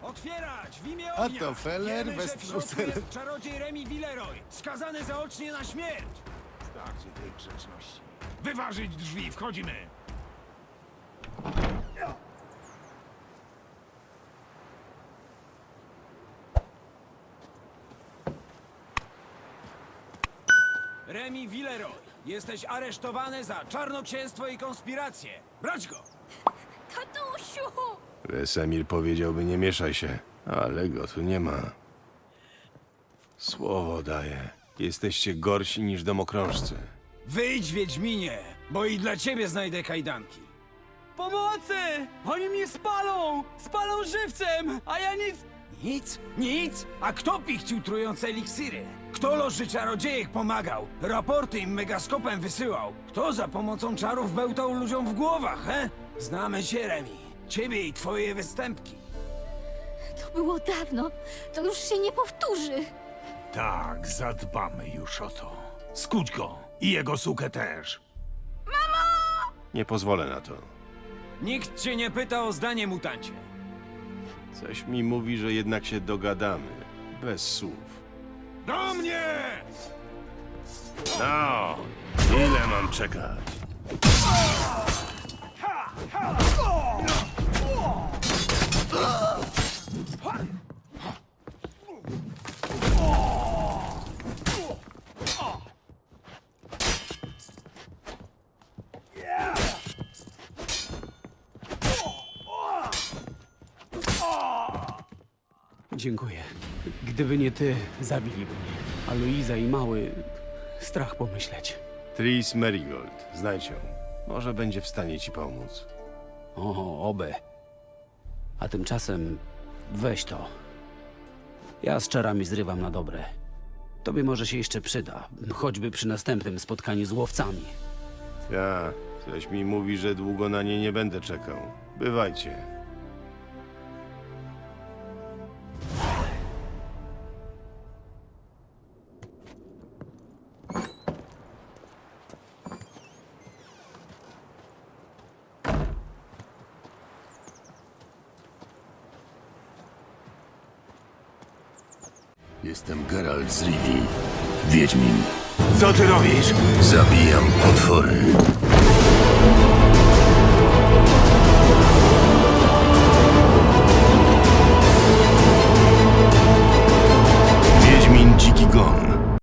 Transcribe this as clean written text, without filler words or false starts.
Otwierać! W imię A ognia! to Feller Wiemy, że bez w środku trusel. jest czarodziej Remi Villeroy, skazany zaocznie na śmierć! Starczy tej grzeczności. Wyważyć drzwi, wchodzimy! Remi Villeroy, jesteś aresztowany za czarnoksięstwo i konspirację. Brać go! Tatusiu! Wesemir powiedziałby nie mieszaj się, ale go tu nie ma. Słowo daję. Jesteście gorsi niż domokrążcy. Wyjdź, Wiedźminie, bo i dla ciebie znajdę kajdanki. Pomocy! Oni mnie spalą! Spalą żywcem, a ja nic... Nic? Nic? A kto pichcił trujące eliksiry? Kto loży czarodziejek pomagał? Raporty im megaskopem wysyłał? Kto za pomocą czarów bełtał ludziom w głowach, he? Znamy cię, Remi. Ciebie i twoje występki. To było dawno. To już się nie powtórzy. Tak, zadbamy już o to. Skuć go i jego sukę też. Nie pozwolę na to. Nikt cię nie pyta o zdanie, mutancie. Coś mi mówi, że jednak się dogadamy. Bez słów. Do mnie! No, ile mam czekać? Dziękuję. Gdyby nie ty, zabiliby mnie. A Luiza i mały... Strach pomyśleć. Tris Merigold, znajdź ją. Może będzie w stanie ci pomóc. O, oby. A tymczasem weź to. Ja z czarami zrywam na dobre. Tobie może się jeszcze przyda, choćby przy następnym spotkaniu z łowcami. Ja, coś mi mówi, że długo na nie nie będę czekał. Bywajcie. Jestem Geralt z Rivii, Wiedźmin. Co ty robisz? Zabijam potwory. Wiedźmin Dziki Gon.